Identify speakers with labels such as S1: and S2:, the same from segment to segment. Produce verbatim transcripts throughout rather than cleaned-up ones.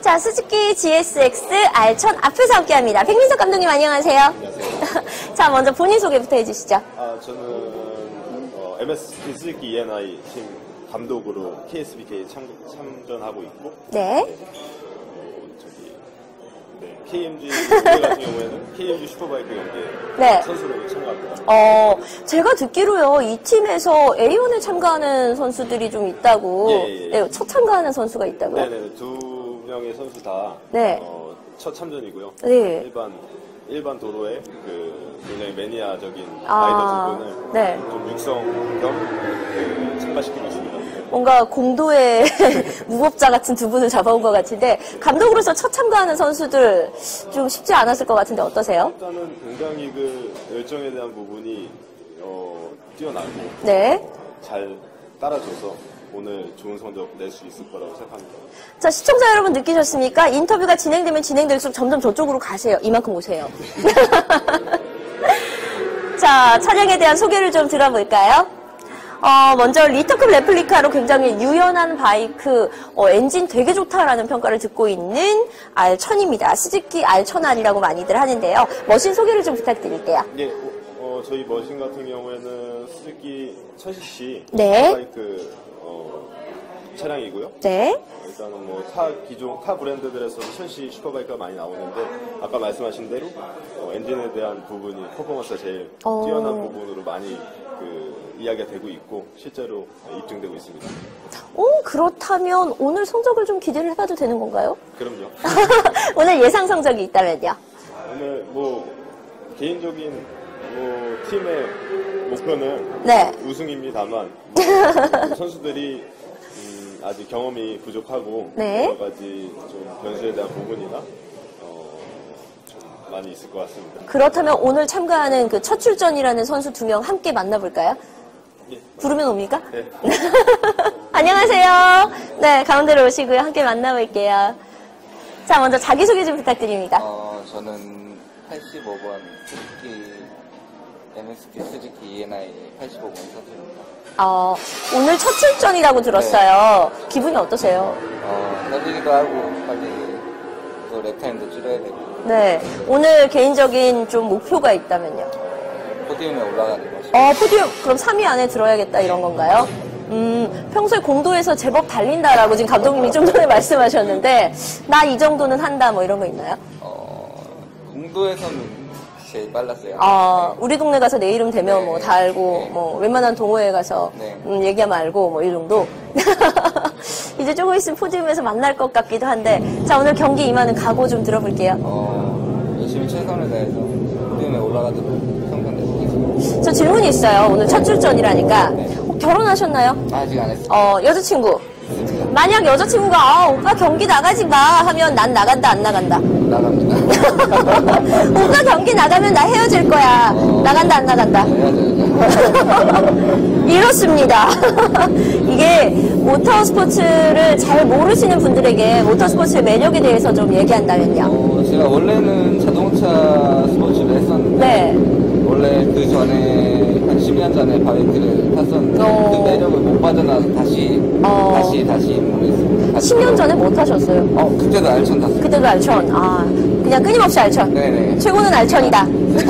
S1: 자, 수즈키 지에스엑스 알 천 앞에서 함께합니다. 백민석 감독님 안녕하세요.
S2: 안녕하세요.
S1: 자, 먼저 본인 소개부터 해주시죠.
S2: 아, 저는 어, 엠에스피 수즈키 이엔아이 팀 감독으로 케이에스비케이 참, 참전하고 있고,
S1: 네.
S2: 네. 어, 저기 네, 케이엠지 경기 같은 경우에는 케이엠지 슈퍼바이크 경기에
S1: 네.
S2: 선수로 참가합니다.
S1: 어, 제가 듣기로요, 이 팀에서 에이원에 참가하는 선수들이 좀 있다고.
S2: 예, 예, 예.
S1: 네, 첫 참가하는 선수가 있다고요?
S2: 네네, 두 명의 선수 다
S1: 네.
S2: 어, 첫 참전이고요.
S1: 네.
S2: 일반 일반 도로에 그 굉장히 매니아적인
S1: 아,
S2: 라이더 두 분을
S1: 네.
S2: 좀 육성 겸 그, 참가시키고 있습니다.
S1: 뭔가 공도의 무법자 같은 두 분을 잡아온 것 같은데, 감독으로서 첫 참가하는 선수들 좀 쉽지 않았을 것 같은데 어떠세요?
S2: 일단은 굉장히 그 열정에 대한 부분이 어, 뛰어나고
S1: 네.
S2: 잘 따라줘서 오늘 좋은 성적 낼 수 있을 거라고 생각합니다.
S1: 자, 시청자 여러분 느끼셨습니까? 인터뷰가 진행되면 진행될수록 점점 저쪽으로 가세요. 이만큼 오세요. 자, 차량에 대한 소개를 좀 들어볼까요? 어, 먼저 리터급 레플리카로 굉장히 유연한 바이크, 어, 엔진 되게 좋다라는 평가를 듣고 있는 알 천입니다. 스즈키 알 천 알이라고 많이들 하는데요. 머신 소개를 좀 부탁드릴게요.
S2: 예, 어, 어, 저희 머신 같은 경우에는 스즈키 천 씨씨
S1: 네.
S2: 바이크 어, 차량이고요.
S1: 네.
S2: 일단은 뭐 타 기존 타 브랜드들에서는 천 씨 슈퍼바이크가 많이 나오는데 아까 말씀하신 대로 어, 엔진에 대한 부분이 퍼포먼스가 제일
S1: 어.
S2: 뛰어난 부분으로 많이 그 이야기가 되고 있고 실제로 입증되고 있습니다.
S1: 오, 그렇다면 오늘 성적을 좀 기대를 해봐도 되는 건가요?
S2: 그럼요.
S1: 오늘 예상 성적이 있다면요?
S2: 오늘 뭐 개인적인 뭐 팀의 목표는
S1: 네.
S2: 우승입니다만 뭐 선수들이 음, 아직 경험이 부족하고
S1: 네.
S2: 여러 가지 좀 변수에 대한 부분이나 어, 좀 많이 있을 것 같습니다.
S1: 그렇다면 오늘 참가하는 그 첫 출전이라는 선수 두 명 함께 만나볼까요?
S2: 예.
S1: 부르면 옵니까?
S2: 네.
S1: 안녕하세요. 네, 가운데로 오시고요. 함께 만나볼게요. 자, 먼저 자기소개 좀 부탁드립니다.
S3: 어, 저는 팔십오 번 스즈키, 엠에스피 스즈키 이엔아이 팔십오 번 선수입니다.
S1: 어, 오늘 첫 출전이라고 들었어요. 기분이 어떠세요?
S3: 어, 떨리기도 하고, 빨리 또 랩타임도 줄여야 되고,
S1: 네, 오늘 개인적인 좀 목표가 있다면요?
S3: 포디움에 올라가는 것이.
S1: 어, 포디움, 그럼 삼 위 안에 들어야겠다, 이런 건가요? 음, 평소에 공도에서 제법 달린다라고 지금 감독님이 좀 전에 말씀하셨는데, 나 이 정도는 한다, 뭐 이런 거 있나요?
S3: 어, 공도에서는 제일 빨랐어요.
S1: 아,
S3: 네.
S1: 우리 동네 가서 내 이름 대면
S3: 네.
S1: 뭐 다 알고,
S3: 네.
S1: 뭐 웬만한 동호회 가서
S3: 네.
S1: 음, 얘기하면 알고, 뭐 이 정도. 이제 조금 있으면 포디움에서 만날 것 같기도 한데, 자, 오늘 경기 임하는 각오 좀 들어볼게요.
S3: 어, 열심히 최선을 다해서 포디움에 올라가도록 성공 내보겠습니다.
S1: 저 질문이 있어요. 오늘 첫 출전이라니까. 어, 결혼하셨나요?
S3: 아직 안 했어요.
S1: 어, 여자친구. 만약 여자친구가, 아, 오빠 경기 나가지 마 하면 난 나간다, 안 나간다?
S3: 나갑니다.
S1: 오빠 경기 나가면 나 헤어질 거야.
S3: 어.
S1: 나간다, 안 나간다?
S3: 해야죠.
S1: 이렇습니다. 이게 모터 스포츠를 잘 모르시는 분들에게 모터 스포츠의 매력에 대해서 좀 얘기한다면요.
S3: 어, 제가 원래는 자동차 스포츠를 했었는데,
S1: 네.
S3: 원래 그 전에 한 십 년 전에 바이크를 탔었는데
S1: 어.
S3: 그 매력을 못 빠져나서 다시
S1: 어.
S3: 다시 다시 입문했습니다. 다시
S1: 십 년 전에 못 하셨어요.
S3: 어 그때도 알천 탔어요.
S1: 그때도 알천. 아, 그냥 끊임없이 알천.
S3: 네네.
S1: 최고는 알천이다.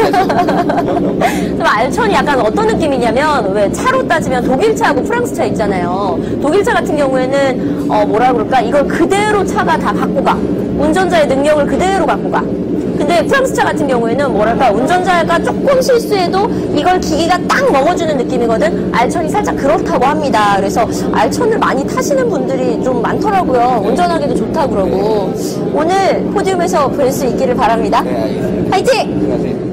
S1: 그럼 알천이 약간 어떤 느낌이냐면, 왜 차로 따지면 독일차하고 프랑스차 있잖아요. 독일차 같은 경우에는 어 뭐라 그럴까, 이걸 그대로 차가 다 갖고 가. 운전자의 능력을 그대로 갖고 가. 근데 프랑스차 같은 경우에는 뭐랄까, 운전자가 조금 실수해도 이걸 기기가 딱 먹어주는 느낌이거든. 알천이 살짝 그렇다고 합니다. 그래서 알천을 많이 타시는 분들이 좀 많더라고요. 운전하기도 좋다 그러고. 오늘 포디움에서 뵐 수 있기를 바랍니다.
S3: 네 알겠습니다.
S1: 화이팅!
S3: 안녕하세요.